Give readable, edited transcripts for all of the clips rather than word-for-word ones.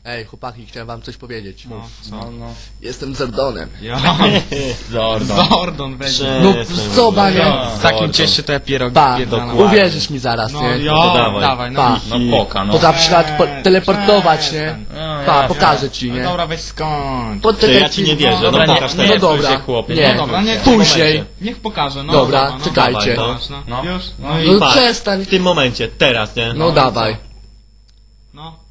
Ej, chłopaki, chciałem wam coś powiedzieć. No, co? No. Jestem Zordonem. Ja. Zordon. Zordon będzie. No co, banie? W takim cieście to ja pierogi Pa, pierdalam. uwierzysz mi zaraz, No, nie? ja, to dawaj. dawaj, no. Pa. No poka, no. Potrafisz nawet teleportować, nie? Pa, pokażę ci, No nie? dobra, weź skąd. Ty, ja ci nie wierzę, Dobra, no nie, pokaż nie, teraz, no dobra. się, chłopie. Nie. No dobra, nie, Później. Niech pokaże, no. Dobra, no, czekajcie. Dawaj, No. No. Już? No No i... i No patrz, przestań. w tym momencie, teraz, nie? No dawaj. No.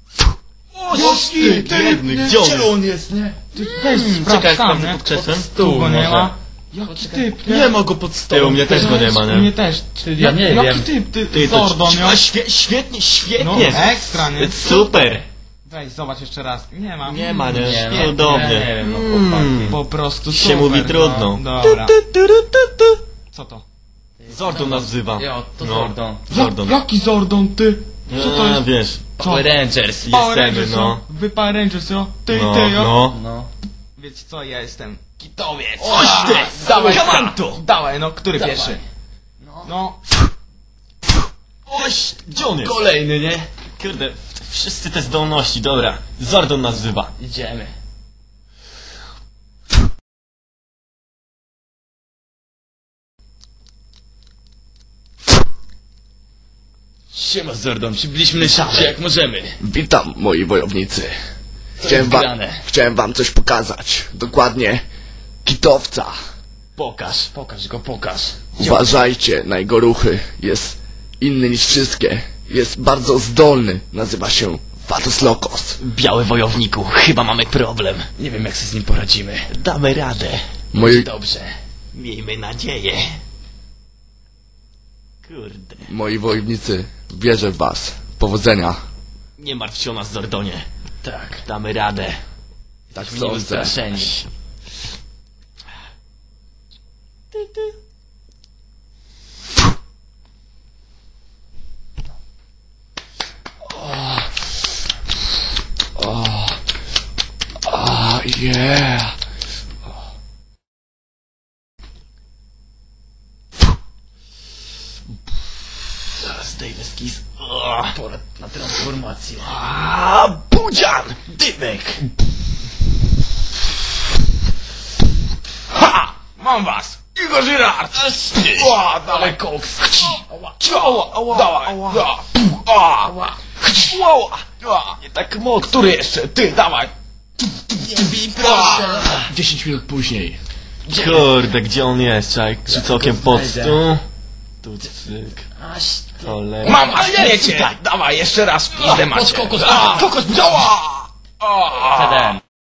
Ty, biedny, gdzie on jest? jest, nie? Weź, Czekaj, tam, sprawdzę nie? pod krzesłem. Tu go nie może. ma. Jaki typ, Nie ma go pod stołem, mnie też go nie ma, U nie? mnie też. Ty, Ja nie jaki wiem. typ, Ty, to Zordon, a, nie? świetnie, No, świetnie. ekstra, nie? Super. Weź, zobacz jeszcze raz. Nie ma. Nie ma, nie? Nie, no, Cudownie. nie wiem, no chłopaki. Po prostu Się super, mówi trudno. No, dobra. Co to? Zordon nas wzywa. Jo, to No. Zordon. Zordon. Jaki Zordon, ty? Co to jest? Wiesz, Co? Rangers. Power jesteśmy, Rangers, no. no. Wy Power Rangers, jo? Ty, no, ty, jo? no. No. Wiecie co, ja jestem kitowiec. Oś ty! Dawaj, Kamanto! Dawaj, no, który Dawaj. pierwszy? No. Oś! Gdzie on jest? Kolejny, nie? Kurde, wszyscy te zdolności, dobra. Zordon nas wzywa. Idziemy. Siema Zordon, przybyliśmy się jak możemy. Witam, moi wojownicy. jest grane? Chciałem wam coś pokazać. Dokładnie kitowca. Pokaż go, pokaż. Uważajcie na jego ruchy. Jest inny niż wszystkie. Jest bardzo zdolny. Nazywa się Vatos Locos. Biały wojowniku, chyba mamy problem. Nie wiem jak sobie z nim poradzimy. Damy radę. Dobrze. Miejmy nadzieję. Kurde. Moi wojownicy, wierzę w was. Powodzenia. Nie martw się o nas, Zordonie. Tak, damy radę. Tak Nie sądzę. wystraszeni. Yeah. Zdejmę skis. Pora na transformację. Budzian! Dymek! Ha! Mam was! Igor Żyrard! Ła, dawaj koks! Ała, dawaj! Ała! Nie tak mocno. Który jeszcze? Ty, dawaj! 10 minut później. Kurde, gdzie on jest? Czaj, rzucę okiem pod stół. Tu cyk. Cholera. Mam was, wiecie! Dawaj, jeszcze raz w pizdę macie! Kokos, działa!